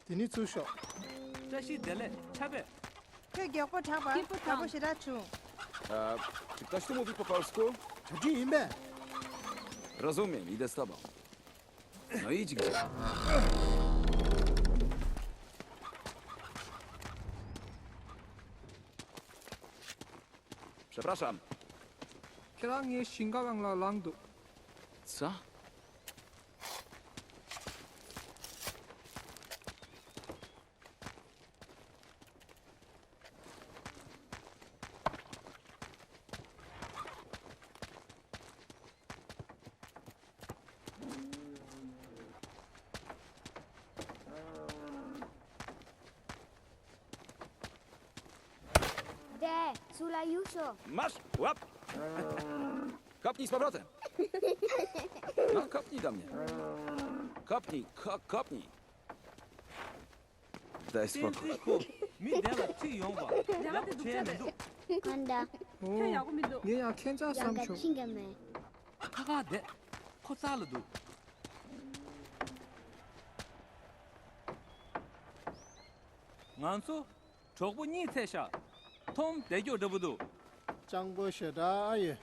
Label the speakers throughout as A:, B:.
A: Dini tsusho.
B: 这是得嘞，差别。
C: Gioko Chaba, Chabo Shirachu.
D: Czy ktoś tu mówi po polsku?
A: Chaji imbe.
D: Rozumiem, idę z tobą. No idź gdzie. Przepraszam.
B: 그랑이 신가강라 랑도.
D: Co?
E: De, sulla Jusho.
D: Masz! Łap! Kopnij z powrotem. No, kopnij do mnie. Kopnij, kopnij. Daj spokój.
B: 미대가 튀용봐. 야, 쟤는
E: 간다.
B: 얘야 캔자
E: 야가
B: 삼초.
E: 튕겨매.
B: 카가 돼. 코살도. nganso chokbu ni tesha. 톰 대교 더부도.
A: Changbo sheda aye.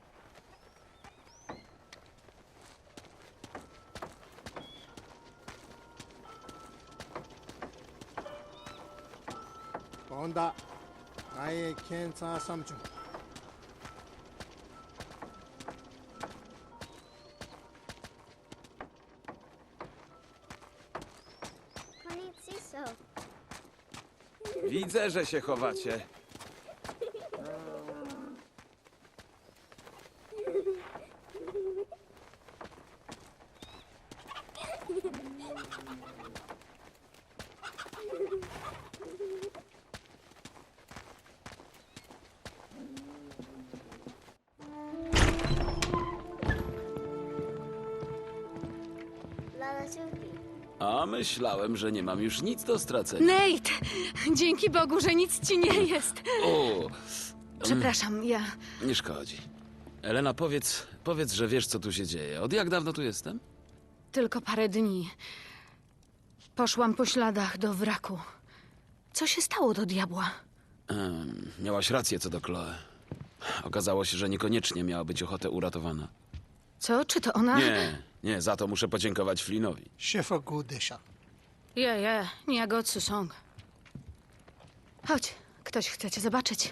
A: Onda. Aye kensa samchung.
E: Konnichiso.
D: Widzę, że się chowacie.
E: Lala Supi.
D: A myślałem, że nie mam już nic do stracenia.
F: Nate! Dzięki Bogu, że nic ci nie jest.
D: O,
F: Przepraszam,
D: nie szkodzi. Elena, powiedz, że wiesz, co tu się dzieje. Od jak dawno tu jestem?
F: tylko parę dni. Poszłam po śladach do wraku. Co się stało do diabła?
D: Miałaś rację co do Chloe. Okazało się, że niekoniecznie miała być ochotę uratowana.
F: Co? Czy to ona?
D: Nie, za to muszę podziękować Flynnowi.
A: Shefa Gudesha.
F: Nie go Song. Chodź, ktoś chce cię zobaczyć.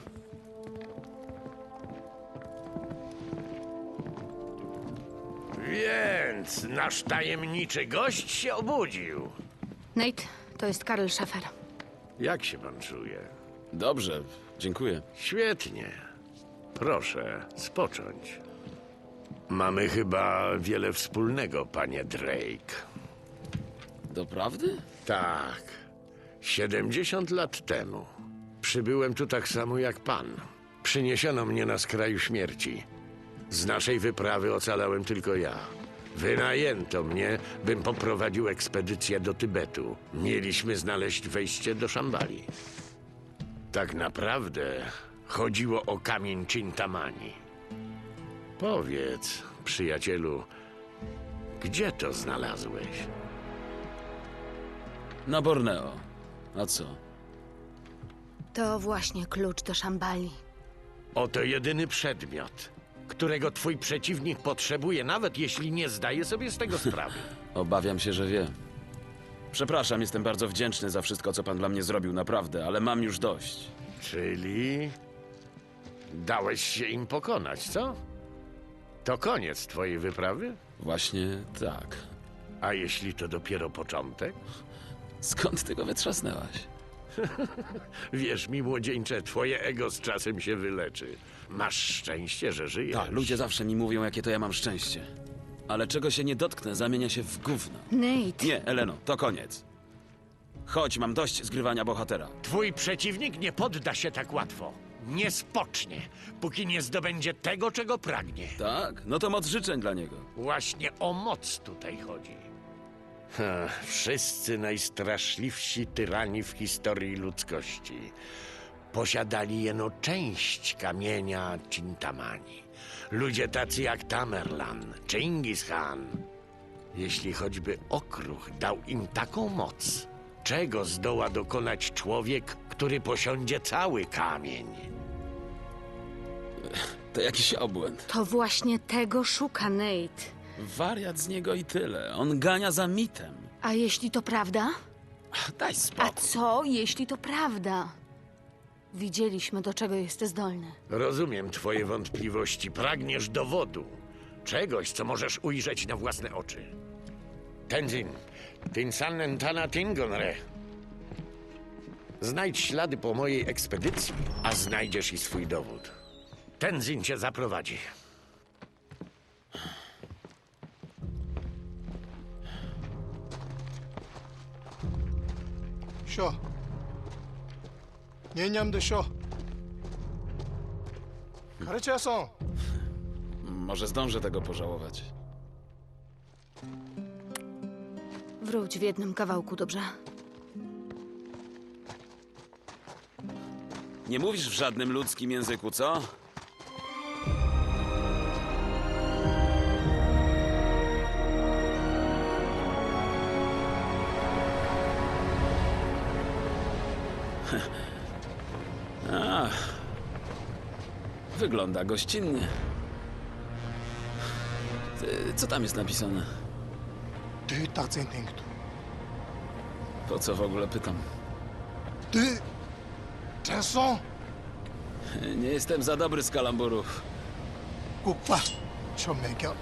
G: Więc nasz tajemniczy gość się obudził.
F: Nate, to jest Karl Schaeffer.
G: Jak się pan czuje?
D: Dobrze, dziękuję.
G: Świetnie. Proszę, spocząć. Mamy chyba wiele wspólnego, panie Drake.
D: Doprawdy?
G: Tak. 70 lat temu. Przybyłem tu tak samo jak pan. Przyniesiono mnie na skraju śmierci. Z naszej wyprawy ocalałem tylko ja. Wynajęto mnie, bym poprowadził ekspedycję do Tybetu. Mieliśmy znaleźć wejście do Szambali. Tak naprawdę chodziło o kamień Chintamani. Powiedz, przyjacielu, gdzie to znalazłeś?
D: Na Borneo. A co?
F: To właśnie klucz do Szambali.
G: Oto jedyny przedmiot, którego twój przeciwnik potrzebuje, nawet jeśli nie zdaje sobie z tego sprawy.
D: Obawiam się, że wiem. Przepraszam, jestem bardzo wdzięczny za wszystko, co pan dla mnie zrobił, naprawdę, ale mam już dość.
G: Czyli dałeś się im pokonać, co? To koniec twojej wyprawy?
D: Właśnie tak.
G: A jeśli to dopiero początek?
D: Skąd ty go wytrzasnęłaś?
G: Wierz mi, młodzieńcze, twoje ego z czasem się wyleczy. Masz szczęście, że żyjesz.
D: Tak, ludzie zawsze mi mówią, jakie to ja mam szczęście. Ale czego się nie dotknę, zamienia się w gówno.
F: Nate!
D: Nie, Eleno, to koniec. Chodź, mam dość zgrywania bohatera.
G: Twój przeciwnik nie podda się tak łatwo. Nie spocznie, póki nie zdobędzie tego, czego pragnie.
D: Tak? No to moc życzeń dla niego.
G: Właśnie o moc tutaj chodzi. Wszyscy najstraszliwsi tyrani w historii ludzkości posiadali jeno część kamienia Chintamani. Ludzie tacy jak Tamerlan, Chingis Khan. Jeśli choćby okruch dał im taką moc, Czego zdoła dokonać człowiek, który posiądzie cały kamień?
D: To jakiś obłęd.
F: To właśnie tego szuka Nate.
D: Wariat z niego i tyle. On gania za mitem.
F: A jeśli to prawda?
D: Daj
F: A
D: spokój.
F: co, jeśli to prawda? Widzieliśmy, do czego jest zdolny.
G: Rozumiem twoje wątpliwości. Pragniesz dowodu. Czegoś, co możesz ujrzeć na własne oczy. Tenzin, Tinsanen Tana Tingonre. Znajdź ślady po mojej ekspedycji, a znajdziesz i swój dowód. Tenzin cię zaprowadzi.
A: 쇼. 년냠도 쇼. 가르쳐서.
D: Może zdążę tego pożałować.
F: Wróć w jednym kawałku, dobrze?
D: Nie mówisz w żadnym ludzkim języku, co? Ach, wygląda gościnnie. Co tam jest napisane?
A: Ty 딱생 땡기도.
D: Po co w ogóle pytam?
A: Ty. 됐어.
D: Nie jestem za dobry z kalamburów.
A: 꼭 봐. 저 매겨.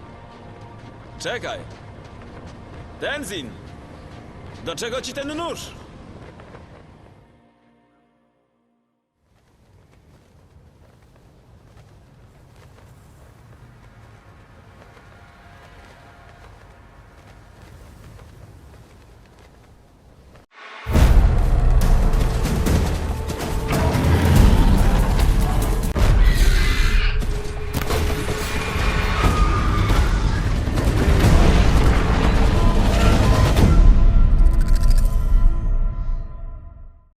D: Czekaj! Tenzin! Do czego ci ten nóż?